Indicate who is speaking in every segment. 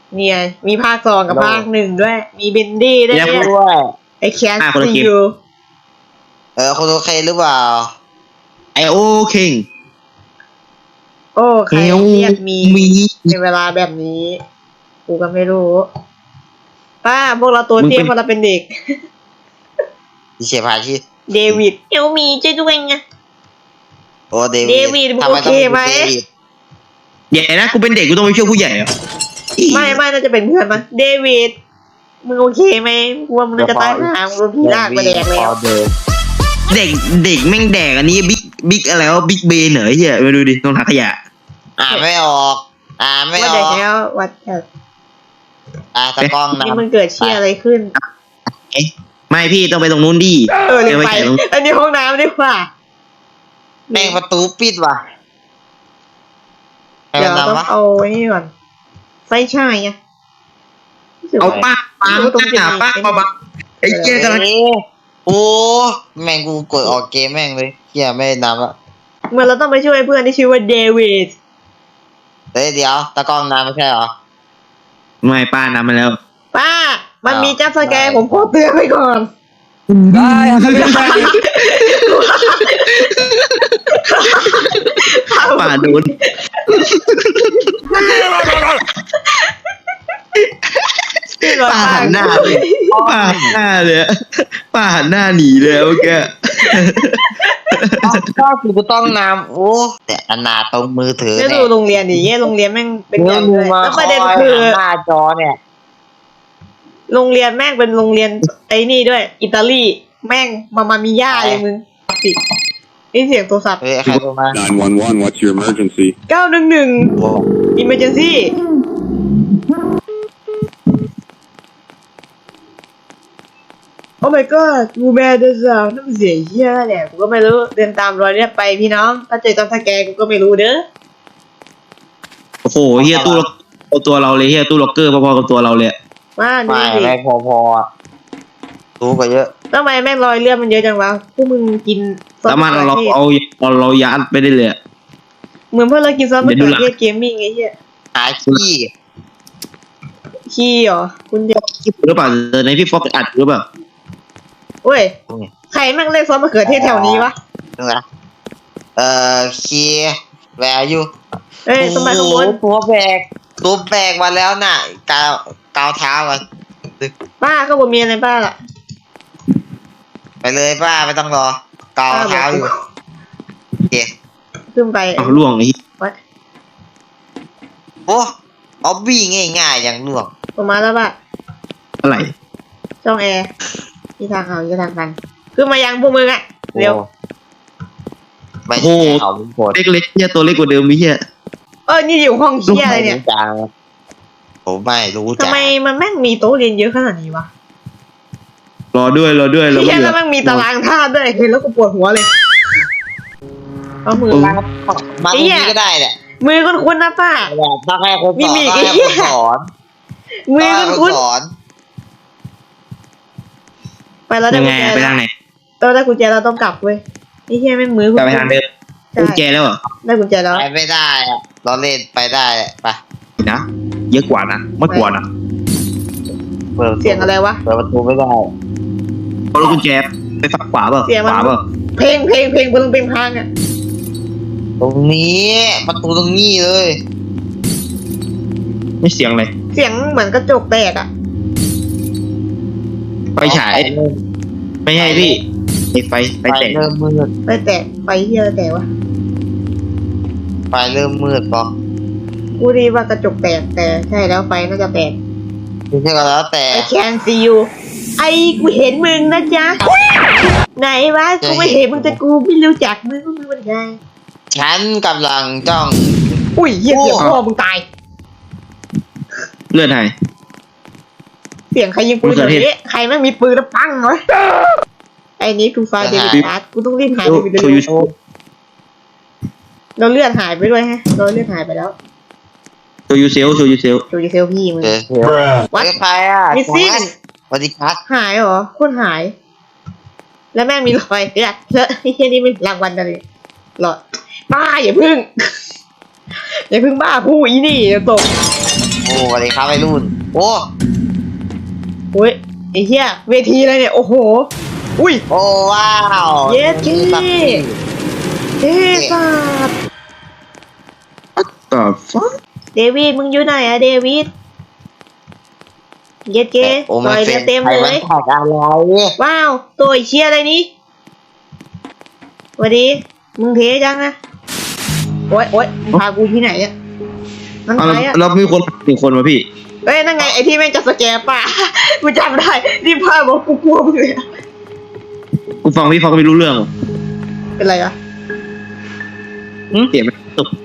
Speaker 1: เนี่ยมีภาค2กับภาค1ด้วยมีเบนดี้ด้วยเนี่ยไอแคสซียู
Speaker 2: คนโอเคหรือเปล่า
Speaker 3: ไอโอคิง
Speaker 1: โอ้ใครเรียกมีในเวลาแบบนี้กูก็ไม่รู้ป้าพวกเราตัวเตี้ยพอเราเป็นเด็ก
Speaker 2: ดิเชพาชี
Speaker 1: เดวิดเอลมีช่วยด้วยไง
Speaker 2: โอ้เด
Speaker 1: วิดมึงโอเคไหม
Speaker 3: เดี๋ยวนะกูเป็นเด็กกูต้องไปช่วยผู้ใหญ่เหรอ
Speaker 1: ไม่น่าจะเป็นเพื่อนมั้งเดวิดมึงโอเคไหมกูว่ามึงจะตายหามึงโดนผีลากไปแดกแล้ว
Speaker 3: เด็กแม่งแดกอันนี้บิ๊กอะไรวะบิ๊กเบนเหรอเฮียมาดูดิตรงถังขยะ
Speaker 2: ไม่ออกไม่ออก
Speaker 1: ว่าเด็กแล้ววัด
Speaker 2: ตะกล้องนะ
Speaker 1: นี่มันเกิดเชี่ยอะไรขึ้น
Speaker 3: ไม่พี่ต้องไปตรงนู้นดิ
Speaker 1: เลยไปอันนี้ห้องน้ำดีกว่า
Speaker 2: แม่งประตูปิดว่ะ
Speaker 1: เดี๋ยวต้องเอาไว้นี่ก่อนไฟฉายไง
Speaker 3: เอาป้าไอ้เจ๊กำลัง
Speaker 2: โอ้แม่งกูกดออกเกมแม่งเลยเฮียไม่นำละ
Speaker 1: เมื่อเราต้องไปช่วยเพื่อนที่ชื่อว่าเดวิด
Speaker 2: เดี๋ยวตะกล้องน้ำไม่ใช่เหรอ
Speaker 3: ไม่ป้านำมาแล้ว
Speaker 1: ป้ามันมีจับสแกร์ผมขอเตือนไว้ก่อน
Speaker 3: ได้ป้าโดนป้าหันหน้าเลยป้าหันหน้าเลยป้าหันหน้าหนีเลยโอเค
Speaker 2: ก็คือกูต้องนำโอ้แต่อนาตรงมือถือ
Speaker 1: เนี่ยดูโรงเรียนดิเย่โรงเรียนแม่งเป็นอย่างเลยแล้วประเด็นคือ
Speaker 2: หน้าจอเนี่ย
Speaker 1: โรงเรียนแม่งเป็นโรงเรียนไอ้นี่ด้วยอิตาลีแม่งมามีย่าเลยมึงติดนี่เสียงโทรศัพท์
Speaker 2: ใครโทรมา
Speaker 4: 911 what's your emergency
Speaker 1: 911 emergencyโอ้ my god กูแม่เดินสาวน้ำเสียเหี้ยแหละกูก็ไม่รู้เดินตามรอยเรียกไปพี่น้องถ้าเจอตอนสแกนกูก็ไม่รู้เด้อ
Speaker 3: โอ้โหเฮียตู้เอาตัวเราเลยเฮียตู้ล็อกเกอร์พอๆกับตัวเราเลย
Speaker 2: ไม่พอรู้กว่าเยอะ
Speaker 1: ทำไมแม่งรอยเลือดมันเยอะจังวะพวกมึงกิน
Speaker 3: ซอสมะเขือเทศเรายัดไปได้เลย
Speaker 1: เหมือนเพื่อนเรากินซอสมะเขือเทศเกมมิ่งไอ้เหี้ยขี้เหรอคุณเดียว
Speaker 3: หรือเปล่าในพี่ฟอกอัดหรือเปล่า
Speaker 1: เว้ยใครแม่งเล่นซอสมะเขือเทศแถวนี้วะ
Speaker 2: ขี้แวร์อยู่
Speaker 1: สมัยขบวน
Speaker 2: ตัวแบกมาแล้วน่ะกาวเท้ากัน
Speaker 1: ป้าก็บ่มีอะไรป้าล่ะ
Speaker 2: ไปเลยป้าไม่ต้องรอกาวเท้าอยู่เจ๊
Speaker 1: ขึ้นไป
Speaker 3: เอาล่วงไอ้
Speaker 2: โอ้เอาบี้ง่ายๆอย่างล่วง
Speaker 1: ประมาณแล้วป่ะ
Speaker 3: อะไร
Speaker 1: ช่องแอร์ที่ทางเขาที่ทางกันขึ้นมายังพวกมึงอ่ะเร็ว
Speaker 2: ไม่ใช่เขา
Speaker 3: เล็กๆเนี่ยตัวเล็กกว่าเดิมพี่
Speaker 1: นี่อยู่ห้องเชี่ยอะไรเนี่ย
Speaker 2: ผมไม่รู้
Speaker 1: ทำไมมันแม่งมีโต๊ะเรียนเยอะขนาดนี้วะ
Speaker 3: รอด้วย
Speaker 1: เชี่ยแล้วแม่งมีตารางธาตุด้วยเห็นแล้วกูปวดหัวเลยเอามือ
Speaker 2: มาตรงนี้ก็ได้แหละ
Speaker 1: มือคุ้นๆนะป้า
Speaker 2: ต้องให้คนสอน
Speaker 1: มือคุ้นไปแล้วได้กุญแจ
Speaker 3: ไปทางไหน
Speaker 1: ได้กุญแจเราต้องกลับเว้ยไอ้เหี้ยแม่งมือ
Speaker 3: ไปทางเดิมกุญแจแล้วเหรอ
Speaker 1: ได้กุญแจแล้ว
Speaker 2: ไปไม่ได้เราเล่นไปได้ไป
Speaker 3: นะเยอะกว่านะไม่กว่านะ
Speaker 1: เสียงอะไรวะ
Speaker 2: เปิดประตูไม่ได้
Speaker 3: เอากุญแจไปฝักขวาเปล่าขวาเปล่า
Speaker 1: เพลงบนเป็นพังอ่ะ
Speaker 2: ตรงนี้ประตูตรงนี้เลย
Speaker 3: ไม่เสียงเลย
Speaker 1: เสียงเหมือนกระจกแตกอ่ะ
Speaker 3: ไฟฉายไม่ใช่พี่ไฟแตก
Speaker 2: เริ่มมืด
Speaker 1: ไฟแตกไฟเหี้ยแตกวะ
Speaker 2: ไฟเริ่มมืดป่ะ
Speaker 1: กูดีว่ากระจกแตกแต่ใช่แล้วไฟน่าจะแตก
Speaker 2: ไม่ใช่ก็แล้วแต่
Speaker 1: I can see you กูเห็นมึงนะจ๊ะไหนวะกูไม่เห็นมึงแต่กูไม่รู้จักมึงเป็นไง
Speaker 2: ฉันกำลังจ้อง
Speaker 1: อุ้ยเหี้ยเสียงพ่อมึงตาย
Speaker 3: เลือดหาย
Speaker 1: เสียงใครยิงปืนแบบนี้ใครไม่มีปืนแล้วปังวะไอ้นี้กูฟาเดวิดอาร์ตกูต้องรีบหายไปเลยเราเลือดหายไปด้วยฮะเราเลือดหายไปแล้ว
Speaker 3: โชยูเซล
Speaker 1: พี่มึง
Speaker 2: วัดใครอ่ะ
Speaker 1: มิสซิ่ง
Speaker 2: สวัสดีครับ
Speaker 1: หายเหรอคนหายแล้วแม่งมีรอยเนี่ยแล้วไอ้เหี้ยนี่มันรางวัลอะไรหรอบ้าอย่าพึ่งบ้าผู้อีนี่เดี๋ยวตก
Speaker 2: โอ้สวัสดีครับไอ้รุ่นโอ้
Speaker 1: โอ้ยไอ้เหี้ยเวทีอะไรเนี่ยโอ้โหอุ้ย
Speaker 2: โอ้ว้าว
Speaker 1: เย็ดเท่เท่สัส
Speaker 3: ต่อฟ้า
Speaker 1: เดวิดมึงอยู่ไหนอะเดวิดเย็ดเก้
Speaker 2: โอ้
Speaker 1: ซ
Speaker 2: มัน
Speaker 1: อย
Speaker 2: เป็
Speaker 1: เรือน เต็ม
Speaker 2: ใคร
Speaker 1: เล
Speaker 2: มัน
Speaker 1: ย
Speaker 2: แท็กอะไร
Speaker 1: ว้าวตัวไอ้เชี่ยอะไรนี้สวัสดีมึงเทจังนะโอ๊ยโอ๊ยมึงพากูที่ไหนอะนั่น
Speaker 3: เอา
Speaker 1: ใครอะ
Speaker 3: แล้วมีคนหนึ่งคนมาพี่
Speaker 1: เอ้ยนั่นไงไอ้ที่แม่งจะสแกนป่ะ กูจำได้นี่พาบอกกูกลัวมึงเลยอะ
Speaker 3: กูฟังพี่ฟังก็ไม่รู้เรื่อง
Speaker 1: เป็นไรอะ
Speaker 3: เสียงมันตก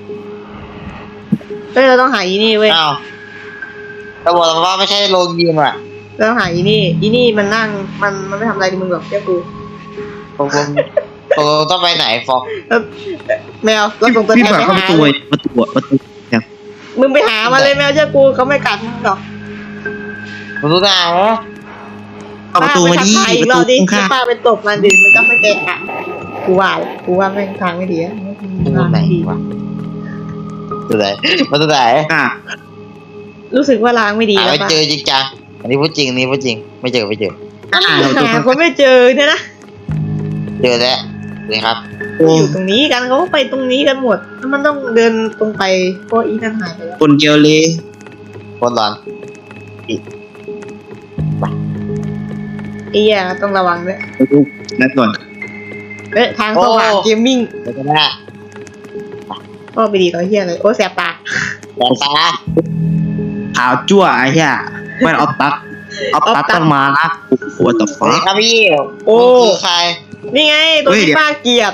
Speaker 1: เฮ้ยเราต้องหาอีนี่เว้ย
Speaker 2: อ้าวแต่บอกว่าไม่ใช่โรงยิมอ่ะ
Speaker 1: เราต้องหาอีนี่มันนั่งมันไม่ทำอะไรมึงหรอกแค่กู
Speaker 2: ตกลงต้องไปไหนฟอก
Speaker 1: แล้วแมวเราส่งตัว
Speaker 3: พี่
Speaker 1: แทน
Speaker 3: ฝาก
Speaker 1: ไป
Speaker 3: เข้าประ
Speaker 1: หา
Speaker 3: ตูไว้ประตูเนี่ย
Speaker 1: มึงไปหามาเลยแมวเจ้ากูเขาไม่กัดมึงหรอก
Speaker 2: มึงรู้ได้เหรอ
Speaker 3: เข้าประตูมาดิ
Speaker 1: ป้าไปทักทายอี
Speaker 3: ป
Speaker 1: ก
Speaker 3: ระ
Speaker 1: ร
Speaker 3: ตู
Speaker 1: อบดิ
Speaker 3: ข้าง
Speaker 1: ป้าไปตบมันดิมันก็ไม่แกะกูว่าแม่งทางไม่ดีอะ
Speaker 2: มึงรู้ไหนวะรู้ไหนมันรู้ไหน
Speaker 3: ๆอ่ะ
Speaker 1: รู้สึกว่าล้างไม่ดี
Speaker 2: หา
Speaker 1: แล้ว
Speaker 2: ไม่
Speaker 1: ป่ะ
Speaker 2: เจอจริงจังอันนี้พูดจริงอันนี้พูดจริงไม่เจอไม่เจอ
Speaker 1: หาคนไม่เจอเนี่ยนะ
Speaker 2: เจอแล้วเลยครับ
Speaker 3: โอ้
Speaker 1: อยู่ตรงนี้กันเขาก็ไปตรงนี้กันหมดแล้วมันต้องเดินตรงไปเพราะอีนั่นหายไปแล้ว
Speaker 3: คนเกลเลย
Speaker 2: คนร้อน
Speaker 1: ไอ้แย่ต้องระวังด้วย
Speaker 3: ดูนัดก่อน
Speaker 1: เอ๊ะทางสว่างเกมมิ่ง
Speaker 2: เดี๋ยวกันนะ
Speaker 1: ก็ไปดีเขาเฮียเลยโอ้แสบตา
Speaker 2: แต่ตา
Speaker 3: ขาวจั่วไอ้เหี้ยไม่เอาตักต้องมานะโอ้ต่อ
Speaker 2: สวัส
Speaker 3: ฟ้า
Speaker 2: ดีครับพี่
Speaker 1: โอ้
Speaker 2: มึงคือใคร
Speaker 1: นี่ไงตัว
Speaker 3: เฮ้ย
Speaker 1: ที่
Speaker 3: เดี๋ยว
Speaker 1: ป้าเกลียด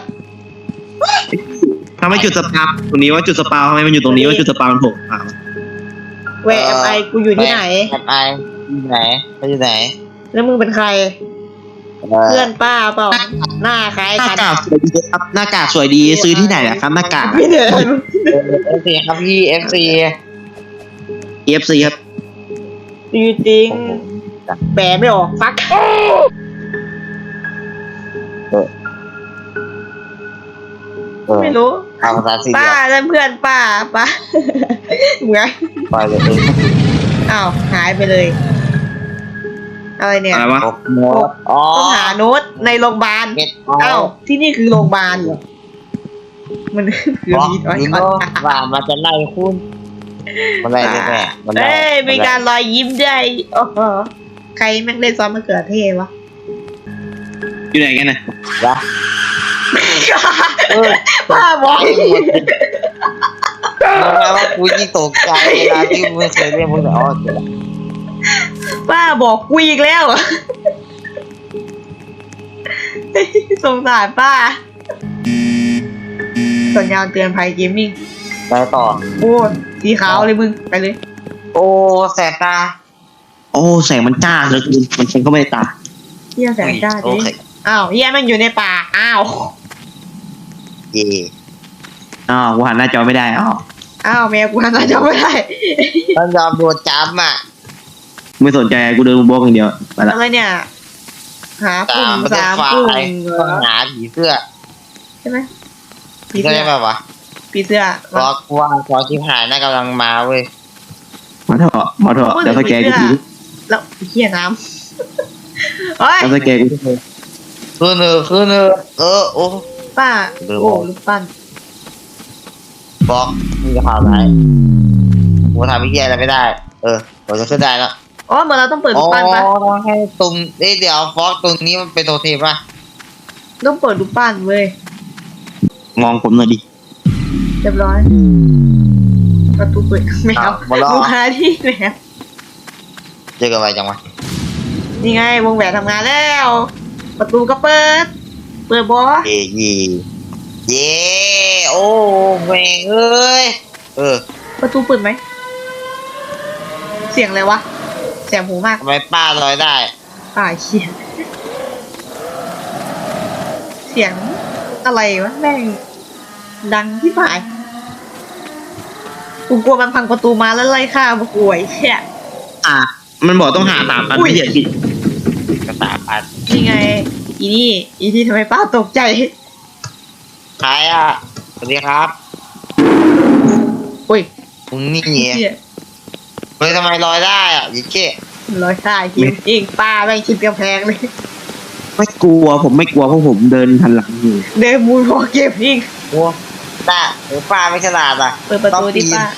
Speaker 3: ทำไมจุดสปาตรงนี้ว่าจุดสปาทำไมมันอยู่ตรงนี้ว่าจุดสปามันโผล่อ่ะ
Speaker 1: แวร์ไอกูอยู่ที่ไหน
Speaker 2: แอบไออยู่ไหนไปอยู่ไหน
Speaker 1: แล้วมึงเป็นใคร เพื่อนป้าเปล่าหน้าคล้าย
Speaker 3: หน้า
Speaker 1: กัน
Speaker 3: กากสวยดีครับหน้ากากสวยดีซื้อที่ไหนอะครับหน้ากาก
Speaker 1: ไม่เดิน
Speaker 2: FC ครับพี่ FC
Speaker 3: EFC ครับ
Speaker 1: จริงๆแปลไม่ออกฟัก ไม่รู้
Speaker 2: เอาภาษาซีเรี
Speaker 1: ป้าย
Speaker 2: ส
Speaker 1: แล้วเพื่อนป้าเหมือน
Speaker 2: ไปเลย
Speaker 1: อ้าวหายไปเลย อะไรเนี่ย
Speaker 3: อะไรวะ
Speaker 2: โน้ตอ๋อ
Speaker 1: ต้องหาโน้ตในโรงพยาบาล
Speaker 2: เก็ต
Speaker 1: อ้าวที่นี่คือโรงพยาบาลเหรอมันคือ
Speaker 2: บอก
Speaker 1: มี
Speaker 2: ยูโน่ว่ามันจะไล่คุณมันไล่แน่มันไล่
Speaker 1: เอ้ยมีการรอยยิ้มด้วยโอ้โหใครแม่งเล่นซอสมะเขือเทศวะ
Speaker 3: อยู่ไหนกันนะ
Speaker 2: วะเออ
Speaker 1: ป้าบอก
Speaker 2: รู้ไหมว่ากูยิ่งตกใจเวลาที่มึงไม่เคยเรียกมึงแต่อ๋อเดี๋ยวละ
Speaker 1: ป้าบอกกูอีกแล้วสงสารป้าสัญญาณเตือนภัยเกมมิ่ง
Speaker 2: ไปต่อ
Speaker 1: โอ้สีขาวเลยมึงไปเลย
Speaker 2: โอ้แสบตา
Speaker 3: โอ้แสงมันจ้าเหลยมันฉันก็ไม่ได้ตา
Speaker 1: เฮียแสงจ้า
Speaker 2: โอ
Speaker 1: จริง
Speaker 2: เค
Speaker 1: อ้าวเฮียแม่งอยู่ในป่าอ้าว
Speaker 2: เย่
Speaker 3: อ๋อกูหันหน้าจอไม่ได้อ๋อ
Speaker 1: อ้าวแมวกูหันหน้าจอไม่ได้
Speaker 2: มันยอมโดนจับอ่ะ
Speaker 3: ไม่สนใจกูเดินบล็อกอย่างเดียวไปละ
Speaker 1: อะไรเนี่ย หาปุ่
Speaker 2: ตาม
Speaker 1: ม
Speaker 2: ประเทศ
Speaker 1: สาม
Speaker 2: ไฟ
Speaker 1: ปุ่มเหร
Speaker 2: ต้อง
Speaker 1: อ
Speaker 2: หาผีเสื้อ
Speaker 1: ใช่ไหม
Speaker 2: ผีเสื้อได้ป่าวะ
Speaker 1: ผีเสื้อ
Speaker 2: เพราะว่าพอชิบหายน่ากำลังมาเว้ย
Speaker 3: มาเถอะเดี๋ยวสแกนกูที
Speaker 1: แล้วเฮียน้ำเฮ้ย
Speaker 3: แล้วสแกนกู
Speaker 2: คือเนอโอ้
Speaker 1: ป้า
Speaker 2: เดี๋ยว
Speaker 1: โอ้ลูกปั้น
Speaker 2: บอกมึงจะข่าวร้ายกูทำพิธีอะไรไม่ได้ ผมจะขึ้นได้แล้ว
Speaker 1: อ๋อเหมือนเราต้องเปิดลูกปั้นปะ
Speaker 2: ต้องให้ตรงเดี๋ยวฟอกตรงนี้มันเป็นโทเทมป่ะ
Speaker 1: ต้องเปิดลูกปั้นเว้ย
Speaker 3: มองผมหน่อยดิ
Speaker 1: เรียบร้อยประตูเปิดไม่เอา
Speaker 2: หมดแล้ว
Speaker 1: ลูกค้าที่แมว
Speaker 2: เจอกันไปจังวะ
Speaker 1: นี่ไงวงแหวนทำงานแล้ว ประตูก็เปิดบอ
Speaker 2: เย่โอ้แม่งเอ้ย
Speaker 1: ประตูเปิดไหมเสียงอะไรวะเสียงหูมาก
Speaker 2: ทำไมป้าลอยได้
Speaker 1: ป่าเขียนเสียงอะไรวะแม่งดังที่ป่ายกูกลัวมันพังประตูมาแล้วไล่ฆ่ามาป่วยเชี่ย
Speaker 3: มันบอกต้องหาตามกันไม่เสียผิด
Speaker 2: กระตาปัด
Speaker 1: นี่ไงอีนี่ทำไมป้าตกใจ
Speaker 2: ใครอ่ะสวัสดีครับ
Speaker 1: อุ้ย
Speaker 2: มึงนี่
Speaker 1: เชี่ย
Speaker 2: เฮ้ยทำไมลอยได้อ่ะยิ่งเจ๊
Speaker 1: ร้อยได้จริงป้าแม่งชิดกำแพงเลย
Speaker 3: ไม่กลัวผมไม่กลัวเพราะผมเดินทันหลังอยู่
Speaker 1: เดินมูนพอเก็บอีก
Speaker 2: โอ้ป้าป้าไม่ฉลาดอ่ะ
Speaker 1: เปิดประตูดิป้า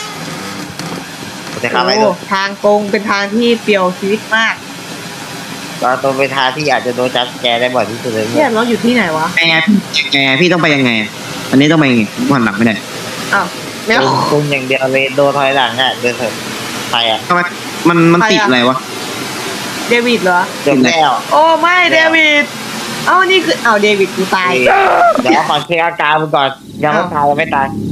Speaker 2: จะเข้าไปดู
Speaker 1: โอ้ทางตรงเป็นทางที่เปลี่ยวชีวิตมาก
Speaker 2: เราตัวไปทางที่อาจจะโดนจับแกได้บ่อยที่สุดเลย
Speaker 1: เนี่ยเราอยู่ที่ไหนวะ
Speaker 3: ไงพี่ต้องไปยังไงอันนี้ต้องไปยังไงผมหันหลังไม่ได้
Speaker 1: อ้าวแมว
Speaker 2: คุมอย่างเดียวเลยโดนถอยหลังอ่ะเดินเถอะใครอ่ะ
Speaker 3: ทำไมมันติดอะไรวะ
Speaker 1: เดวิดเหรอ
Speaker 2: จบแล้ว
Speaker 1: โอ้ไม่เดวิดเอ้านี่คือเดวิดกูตาย
Speaker 2: เดี๋ยวขอเช็คอาการมึงก่อนยังไม่ตายยังไม่ตาย